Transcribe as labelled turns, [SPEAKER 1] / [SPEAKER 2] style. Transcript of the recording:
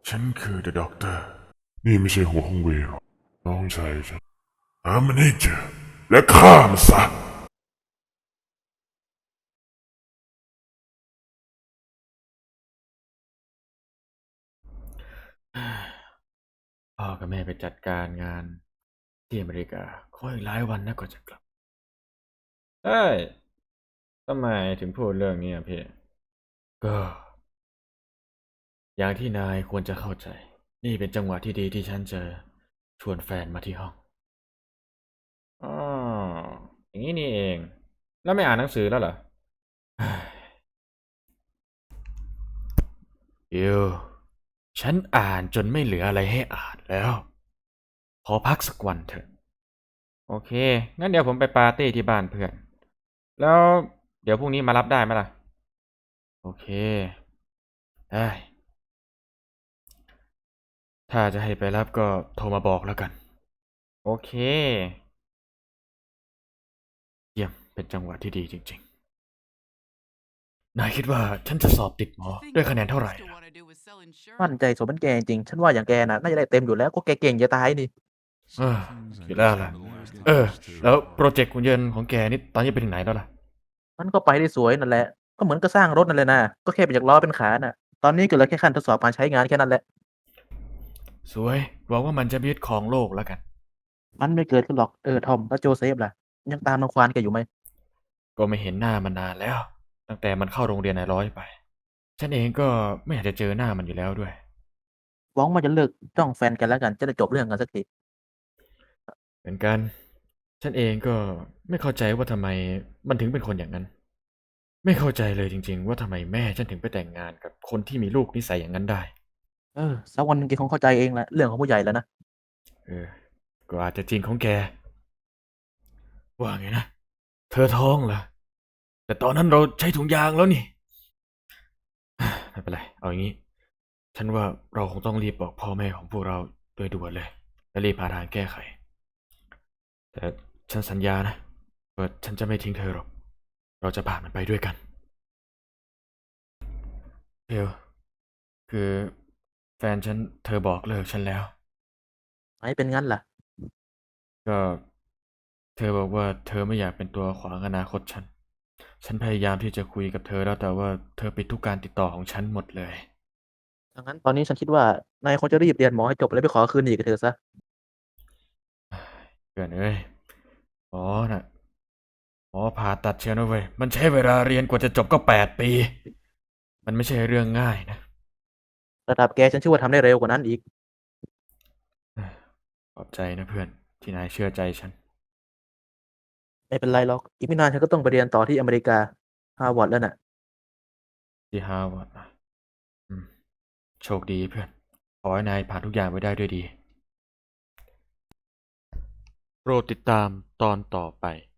[SPEAKER 1] ฉันคือ The Doctor นี่ไม่ใช่หัวของเวย์หรอกน้องชายฉันหามันให้เจอและฆ่ามันซะ
[SPEAKER 2] พ่อกับแม่ไปจัดการงานที่อเมริกาขออีกหลายวันนะก็จะกลับเอ้ยทำไมถึงพูดเรื่องนี้อ่ะพี่ก็อย่างที่นายควรจะเข้าใจนี่เป็นจังหวะที่ดีที่ฉันจะชวนแฟนมาที่ห้องอ๋ออย่างนี้นี่เองแล้วไม่อ่านหนังสือแล้วเหรอเฮ้ยอิวฉันอ่านจนไม่เหลืออะไรให้อ่านแล้วขอพักสักวันเถอะโอเคงั้นเดี๋ยวผมไปปาร์ตี้ที่บ้านเพื่อนแล้วเดี๋ยวพรุ่งนี้มารับได้ไหมล่ะโอเคได้ถ้าจะให้ไปรับก็โทรมาบอกแล้วกันโอเคเยี่ยมเป็นจังหวะที่ดีจริงๆนายคิดว่าฉันจะสอบติดหมอด้วยคะแนนเท่าไหร่ล่ะ
[SPEAKER 3] มั่นใจสมเป็นแกจริงฉันว่าอย่างแกน่ะน่าจะได้เต็มอยู่แล้วก็แกเก่งจะตายนี่
[SPEAKER 2] เออคิดแล้วล่ะแล้วโปรเจกต์หุ่นยนต์ของแกนี่ตอนนี้ไปถึงไหนแล้วล่ะ
[SPEAKER 3] มันก็ไปได้สวยนั่นแหละก็เหมือนกับสร้างรถนั่นแหละนะก็แค่เปลี่ยนจากล้อเป็นขาน่ะตอนนี้ก็เหลือแค่ขั้นทดสอบการใช้งานแค่นั้นแหละ
[SPEAKER 2] สวยหวังว่ามันจะไม่ยึดครองโลกแล้วกัน
[SPEAKER 3] มันไม่เกิดขึ้นหรอกทอมแล้วโจเซฟล่ะยังตามรังควานแกอยู่ไหม
[SPEAKER 2] ก็ไม่เห็นหน้ามันนานแล้วตั้งแต่มันเข้าโรงเรียนนายร้อยไปฉันเองก็ไม่อยากจะเจอหน้ามันอยู่แล้วด้วย
[SPEAKER 3] หวังว่าจะเลิกจ้องแฟนกันแล้วกันจะได้จบเรื่องกันสักที
[SPEAKER 2] เหมือนกันฉันเองก็ไม่เข้าใจว่าทำไมมันถึงเป็นคนอย่างนั้นไม่เข้าใจเลยจริงๆว่าทำไมแม่ฉันถึงไปแต่งงานกับคนที่มีลูกนิสัยอย่างนั้นได้
[SPEAKER 3] สักวันหนึงแกคงเข้าใจเองแหละเรื่องของผู้ใหญ่แล้วนะ
[SPEAKER 2] เออก็อาจจะจริงของแกว่าไงนะเธอท้องเหรอแต่ตอนนั้นเราใช้ถุงยางแล้วนี่ไม่เป็นไรเอาอย่างนี้ฉันว่าเราคงต้องรีบบอกพ่อแม่ของพวกเราโดยด่วนเลยและรีบหาทางแก้ไขแต่ฉันสัญญานะว่าฉันจะไม่ทิ้งเธอหรอกเราจะผ่านมันไปด้วยกันเดี๋ยวคือแฟนฉันเธอบอกเลิกฉันแล้ว
[SPEAKER 3] ไหนเป็นงั้นล่ะ
[SPEAKER 2] ก็เธอบอกว่าเธอไม่อยากเป็นตัวขวางอนาคตฉันพยายามที่จะคุยกับเธอแล้วแต่ว่าเธอปิดทุกการติดต่อของฉันหมดเลย
[SPEAKER 3] ดังนั้นตอนนี้ฉันคิดว่านายคงจะรีบเรียนหมอให้จบแล้วไปขอคืนดีกับเธอซะ
[SPEAKER 2] เกินเอ้ยหมอน่ะหมอผ่าตัดเชียวนะเว้ยมันใช้เวลาเรียนกว่าจะจบก็8 ปีมันไม่ใช่เรื่องง่ายนะ
[SPEAKER 3] ระดับแกฉันเชื่อว่าทำได้เร็วกว่านั้นอีก
[SPEAKER 2] ขอบใจนะเพื่อนที่นายเชื่อใจฉัน
[SPEAKER 3] ไม่เป็นไรหรอกอีกไม่นานฉันก็ต้องไปเรียนต่อที่อเมริกาฮาร์วาร์ดแล้วน่ะ
[SPEAKER 2] ที่ฮาร์วาร์ดนะอืมโชคดีเพื่อนขอให้นายผ่านทุกอย่างไปได้ด้วยดีโปรดติดตามตอนต่อไป